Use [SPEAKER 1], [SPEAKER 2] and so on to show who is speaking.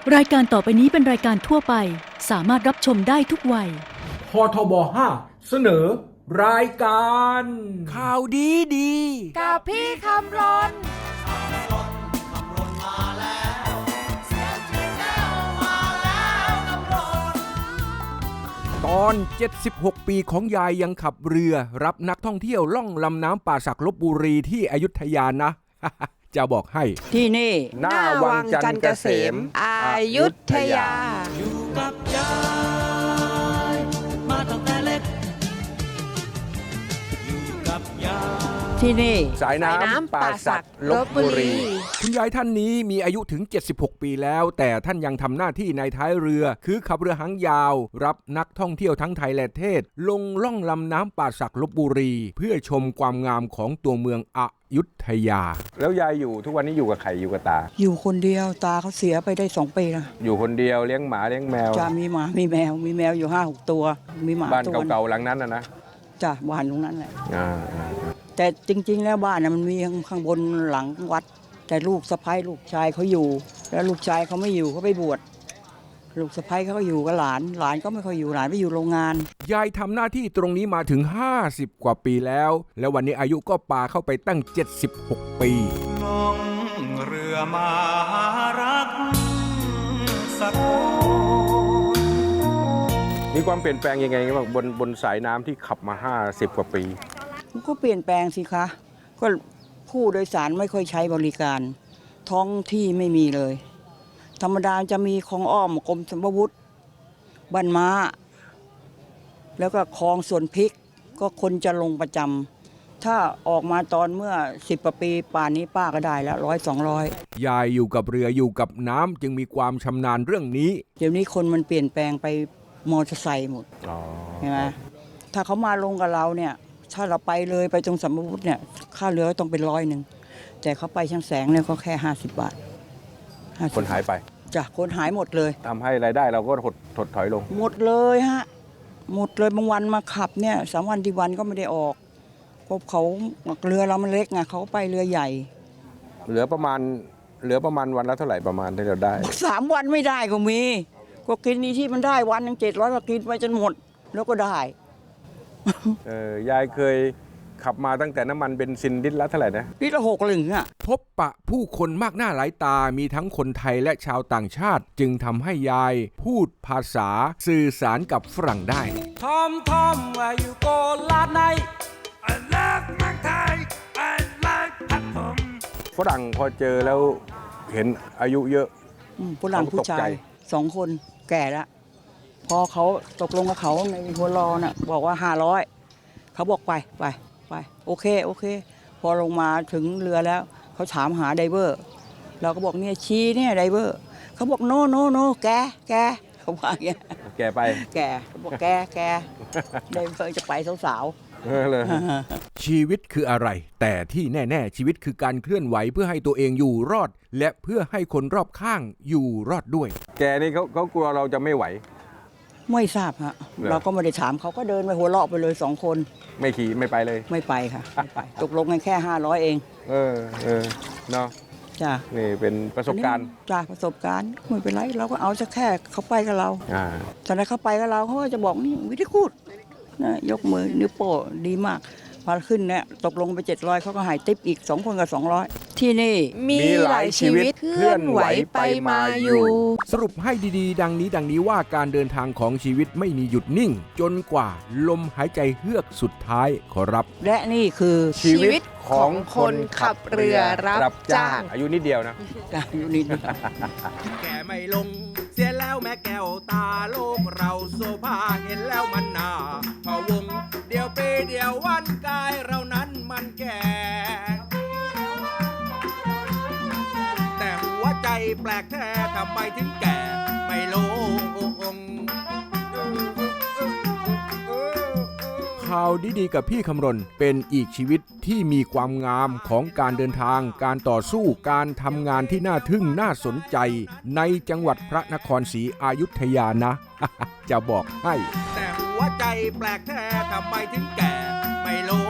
[SPEAKER 1] รายการต่อไปนี้เป็นรายการทั่วไปสามารถรับชมได้ทุกวัย
[SPEAKER 2] พทบ5เสนอรายการ
[SPEAKER 3] ข่าวดี
[SPEAKER 4] กับพี่คำรน
[SPEAKER 3] ตอน76ปีของยายยังขับเรือรับนักท่องเที่ยวล่องลำน้ำป่าสักลพบุรีที่อยุธยานะ จะบอกให้
[SPEAKER 4] ที่นี่
[SPEAKER 3] หน้าวังจันทร์เกษม
[SPEAKER 4] อยุธยา
[SPEAKER 5] อยู่กับยายมาตั้งแต่เล็กอยู่กับยาย
[SPEAKER 4] ที่นี่
[SPEAKER 3] สายน้ำป่าสักลพบุรีคุณยายท่านนี้มีอายุถึง76ปีแล้วแต่ท่านยังทำหน้าที่ในท้ายเรือคือขับเรือหางยาวรับนักท่องเที่ยวทั้งไทยและเทศลงล่องลำน้ำป่าสักลพบุรีเพื่อชมความงามของตัวเมืองอยุธยาแล้วยายอยู่ทุกวันนี้อยู่กับใครอยู่กับตา
[SPEAKER 4] อยู่คนเดียวตาเขาเสียไปได้2 ปีแล้ว
[SPEAKER 3] อยู่คนเดียวเลี้ยงหมาเลี้ยงแมว
[SPEAKER 4] จะมีหมามีแมวอยู่ 5-6 ตัวมีหมา
[SPEAKER 3] บ้านเก่าๆหลังนั้นนะ
[SPEAKER 4] จ้ะบ้านตรงนั้นแหละแต่จริงๆแล้วบ้านน่ะมันมีข้างบนหลังวัดแต่ลูกสะใภ้ลูกชายเขาอยู่แล้วลูกชายเขาไม่อยู่เขาไปบวชลูกสะใภ้เขาก็อยู่กับหลานก็ไม่ค่อยอยู่หลานไปอยู่โรงงาน
[SPEAKER 3] ยายทำหน้าที่ตรงนี้มาถึง50 กว่าปีแล้วและวันนี้อายุก็ปาเข้าไปตั้ง76 ปี
[SPEAKER 5] ล่องเรือมาหารักสักคน
[SPEAKER 3] มีความเปลี่ยนแปลงยังไงบ้างบนสายน้ำที่ขับมา50 กว่าปี
[SPEAKER 4] ก็เปลี่ยนแปลงสิคะก็ผู้โดยสารไม่ค่อยใช้บริการท้องที่ไม่มีเลยธรรมดาจะมีคลองอ้อมกรมสัมภวุฒิบ้านม้าแล้วก็คลองสวนพริกก็คนจะลงประจำถ้าออกมาตอนเมื่อ10 กว่าปีป่านนี้ป้าก็ได้แล้ว100-200
[SPEAKER 3] ยายอยู่กับเรืออยู่กับน้ำจึงมีความชำนาญเรื่องนี้
[SPEAKER 4] เดี๋ยวนี้คนมันเปลี่ยนแปลงไปมอเตอร์ไซค์หมดใช่ไหมถ้าเขามาลงกับเราเนี่ยถ้าเราไปเลยไปตรงสัมภวุฒิเนี่ยค่าเรือต้องเป็น100แต่เขาไปช่างแสงเนี่ยก็แค่50 บาท
[SPEAKER 3] คนหายไป
[SPEAKER 4] จ้ะคนหายหมดเลย
[SPEAKER 3] ทำให้รายได้เราก็ถดถอยลง
[SPEAKER 4] หมดเลยฮะหมดเลยบางวันมาขับเนี่ย3 วันที่วันก็ไม่ได้ออกเพราะเขาเรือเรามันเล็กไงเขาไปเรือใหญ่
[SPEAKER 3] เหลือประมาณวันละเท่าไหร่ประมาณที่เราได้
[SPEAKER 4] 3 วันไม่ได้ก็มีก็กินนี้ที่มันได้วันนึง700ก็กินไปจนหมดแล้วก็ได้
[SPEAKER 3] ยายเคยขับมาตั้งแต่น้ำมันเบนซินลิตรละเท่าไหร่นะ
[SPEAKER 4] ลิตรละ6 เหรียญอ่ะ
[SPEAKER 3] พบปะผู้คนมากหน้าหลายตามีทั้งคนไทยและชาวต่างชาติจึงทำให้ยายพูดภาษาสื่อสารกับฝรั่งได้
[SPEAKER 5] ทอมว่าอยู่โกลาดใน I love เมืองไทย I like พัดผม
[SPEAKER 3] ฝรั่งพอเจอแล้วเห็นอายุเยอะ
[SPEAKER 4] ฝรั่งผู้ชาย2 คนแก่แล้วพอเขาตกลงกับเขาในหัวรอน่ะบอกว่า500เขาบอกไปโอเคพอลงมาถึงเรือแล้วเขาถามหาไดเวอร์เราก็บอกเนี่ยชี้เนี่ยไดเวอร์เขาบอกโนแกเขาว่าอย่างเงี้ย
[SPEAKER 3] แกไป
[SPEAKER 4] เขาบอกแกไดเวอร์จะไปสาว
[SPEAKER 3] เลยชีวิตคืออะไรแต่ที่แน่ๆชีวิตคือการเคลื่อนไหวเพื่อให้ตัวเองอยู่รอดและเพื่อให้คนรอบข้างอยู่รอดด้วยแกนี่เขากลัวเราจะไม่ไหว
[SPEAKER 4] ไม่ทราบฮะเราก็ไม่ได้ถามเขาก็เดินไปหัวเราะไปเลย2 คน
[SPEAKER 3] ไม่ขี่ไม่ไปเลย
[SPEAKER 4] ไม่ไปค่ะตกลงกันแค่500เอง
[SPEAKER 3] เนาะ
[SPEAKER 4] จ้ะ
[SPEAKER 3] นี่เป็นประสบการณ์
[SPEAKER 4] จ้ะประสบการณ์ไม่เป็นไรเราก็เอาจะแค่เขาไปกับเราตอนนั้นเขาไปกับเราเขาก็จะบอกนี่วิธีพูดนะยกมือนิ้วโป้ดีมากพอขึ้นเนี่ยตกลงไป700เขาก็หายติ๊บอีก2 คนกับ200ที่นี่
[SPEAKER 3] มีหลายชีวิตเคลื่อนไหวไปมาอยู่สรุปให้ดีๆดังนี้ว่าการเดินทางของชีวิตไม่มีหยุดนิ่งจนกว่าลมหายใจเฮือกสุดท้ายขอรับ
[SPEAKER 4] และนี่คือ
[SPEAKER 3] ชีวิตของคนขับเรือรับจ้างอายุนิดเดียวนะ
[SPEAKER 4] อายุนิด
[SPEAKER 5] แกไม่ลงเสียแล้วแม่แก้วตาโลกเราโซภาเห็นแล้วมันน่าพะวงเดียวปีเดียววันกายเรานั้นมันแก่แต่หัวใจแปลกแท้ทำไมถึงแก่ไม่ลง
[SPEAKER 3] ข่าวดีๆกับพี่คำรณเป็นอีกชีวิตที่มีความงามของการเดินทางการต่อสู้การทำงานที่น่าทึ่งน่าสนใจในจังหวัดพระนครศรีอยุธยานะ จะบอกให้
[SPEAKER 5] แต่หัวใจแปลกแท้ทำไมถึงแก่ไม่ลง